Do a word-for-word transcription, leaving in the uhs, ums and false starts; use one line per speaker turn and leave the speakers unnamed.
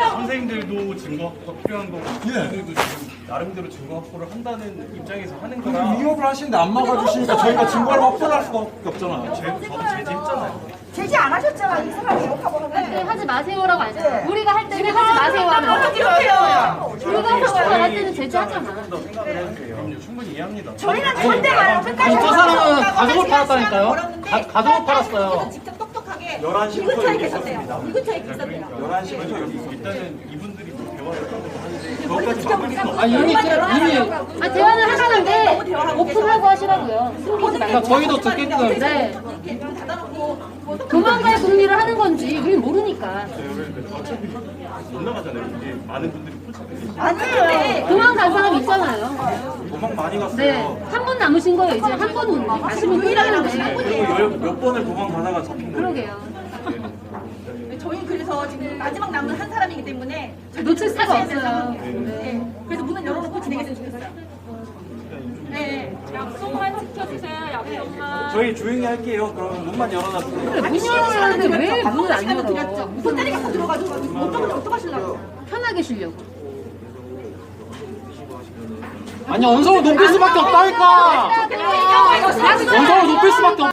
선생님들도 증거 확보가 필요한 거고, 선생님들도 지금 나름대로 증거 확보를 한다는 입장에서 하는 거라.
위협을 하시는데 안 막아주시니까 저희가 증거를 확보를 할 수가 없잖아요.
제, 저도 제재했잖아요.
제지 안 하셨잖아. 이 사람이 욕하고 하는데.
네, 하지 마세요라고 안 했잖아. 우리가 할 때는 하지 마세요 하면
어떻게 해요?
불가사가 할 때는 제지하잖아.
더 생각을 해주세요. 그럼요, 충분히 이해합니다.
저희는 절대 말요. 끝까지
저 사람은 가족을 팔았다니까요. 가, 가족을 팔았어요.
직접 똑똑하게
열한 시부터
이 근처에
여기
계셨대요.
있었습니다.
이 근처에 계셨대요.
열한 시부터 여기 있었습니다.
일단은 이분들이 뭐 대화를 하는데
저까지 막을 수 없어요.
아니 이미 이미
아, 대화는 하시는데 오픈하고 하시라고요. 숨기지 말고.
그러니까 저희도 듣게끔.
네.
이렇게 문 닫아놓고 뭐
도망갈 분리를 하는 건지 우린 모르니까.
어차피 못 나가잖아요. 이게 많은 분들이 포착돼 계시죠.
아니에요.
도망간 사람 있잖아요.
도망 많이 갔어요.
네. 한 분 남으신 거예요. 이제 한 분 가시면 끝나는데.
그리고 열, 몇 번을 도망 가다가 잡힌 거예요.
그러게요.
저희 그래서 지금 마지막 남은 한 사람이기 때문에
놓칠 수가
사셔야 될
없어요.
상황이에요. 네. 그래서 문을 열어놓고 진행했으면 좋겠어요. 네.
약속만 지켜주세요. 약속만.
저희 조용히 할게요. 그러면 문만 열어놔주세요.
그래, 문 열어놨는데 왜 문을 안
시간을
열어?
드렸죠. 문 때리겠어 들어가지고 어쩌면 어떡하시려고.
편하게 쉬려고.
아니 언성을 높일 수밖에 없다니까. 언성을 높일 수밖에 없.